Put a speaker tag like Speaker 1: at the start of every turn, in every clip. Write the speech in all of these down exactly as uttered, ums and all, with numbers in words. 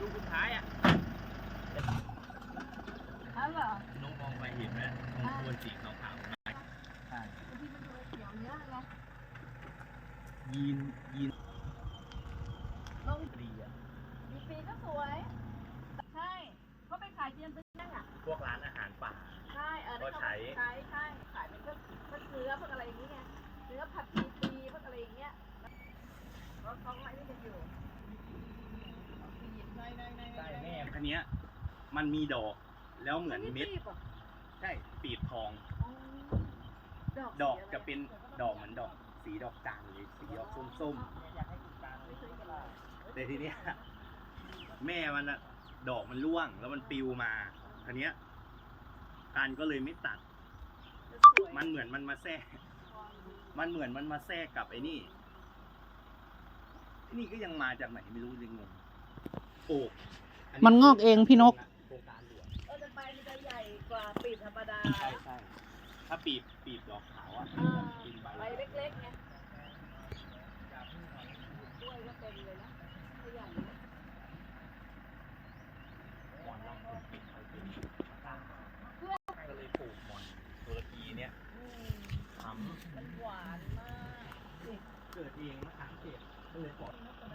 Speaker 1: กสุดท้ายอ่ะ
Speaker 2: อ้าวเหรอ
Speaker 1: น้องมองไปเห็นไหมตรงโคนสีขาวๆใช่
Speaker 2: ที่มันดูเขียวเนี้ยไง
Speaker 1: ยีนยีน
Speaker 2: ลง
Speaker 1: ดีอ่ะ
Speaker 2: ดีปีก็สวยใช่ก็ไปขายเจียนเป็นยังอ่ะ
Speaker 1: พวกร้านอาหารป่า
Speaker 2: ใช่เออก็ใช้ใช้ใช่ขายเป็นพวกพวกเนื้อพวกอะไรอย่างเงี้ยเนื้อผัดปีปีพวกอะไรอย่างเงี้ยแล้วเขาอะไรนี่กันอยู่
Speaker 1: ใช่แม่คันนี้มันมีดอกแล้วเหมือนเม็ดใช่ปีบทองดอกจะเป็นดอกเหมือนดอกสีดอกจานเลยสีดอกส้มๆแต่ทีเนี้ยแม่มันอะดอกมันร่วงแล้วมันปิวมาคันนี้การก็เลยไม่ตัดมันเหมือนมันมาแทรกมันเหมือนมันมาแทรกกับไอ้นี่ไอ้นี่ก็ยังมาจากไหนไม่รู้ยังงงโอ้
Speaker 3: มันงอกเองพี่นก
Speaker 1: โครงการหลวง
Speaker 2: เออจะไปมันจะใหญ่กว่าปีบธรรมดา
Speaker 1: ใช่ใช่ถ้าปีบปีบดอกขาวอ่ะกินใบ
Speaker 2: ใบเล็กๆไงกล้วยก็เต็มเลยนะขยัน
Speaker 1: หมอนรองปลูกปิดเขาเป็นตั้งก็เลยปลูกหมอนตุรกีเนี้ยทำ
Speaker 2: มันหวานมาก
Speaker 1: เกิดเองมะขามเทศก็เลยปล่อย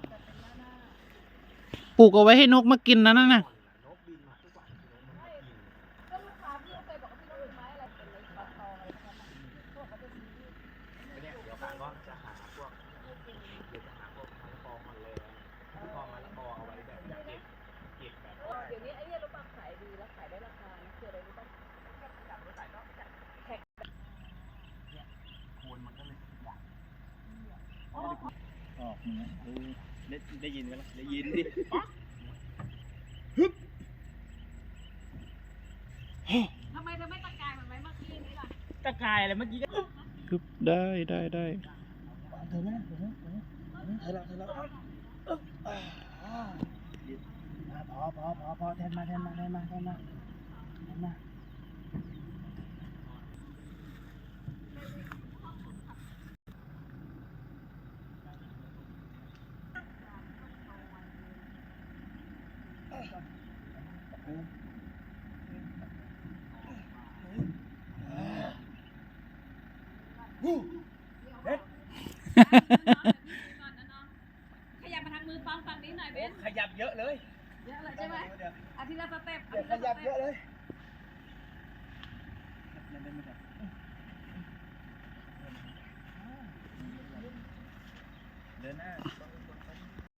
Speaker 3: ปลูกเอาไว้ให้นกมากินนะนั่นน่ะ
Speaker 1: นกบินมาทุกวันนกมันมากิน
Speaker 2: ก็ลูกค้าพี่เคยบอกว่าพี่นกเป็นไม้อะไรเป็นไม้ปลาทองอะไรพวกนั้นพวกเขาจะซื้อ
Speaker 1: เนี่ยเดี๋ยวการก็จะหาพวกเดี๋ยวจะหาพวกมะละกอมันเลยพอมะละกอเอาไว้แบบเก็บเก็บแบบ
Speaker 2: เดี๋ยวนี้ไอ้เนี่ยลูกปังขายดีแล้วขายได้ราคานะคืออะไรรู้ป่ะจับรถขายนอกจากแท็ก
Speaker 1: เนี่ยโคนมันก็เลยใหญ่ออกเนี่ยได้ได้ยินไหมล่ะได้ยินดิ
Speaker 2: ทำไมเธอไม่ตะกายเหมือนไม้เมื่อกี้นี้ล่ะ
Speaker 1: ตะกายอะไรเมื่อกี้ก็
Speaker 3: คือได้ได้ได้
Speaker 1: เธอนะเธอนะเธอละเธอละพอพอพอพอแทนมาแทนมาแทนมาแทนมาแทนมาเด็ด
Speaker 2: ขยับมาทางมือปังฝั่งนี้หน่อยเบน
Speaker 1: ขยับเยอะเลย
Speaker 2: เยอะเลยใช่ไหมอาทิตย์ละสเต็ป
Speaker 1: ขยับเยอะเลยเดินหน้า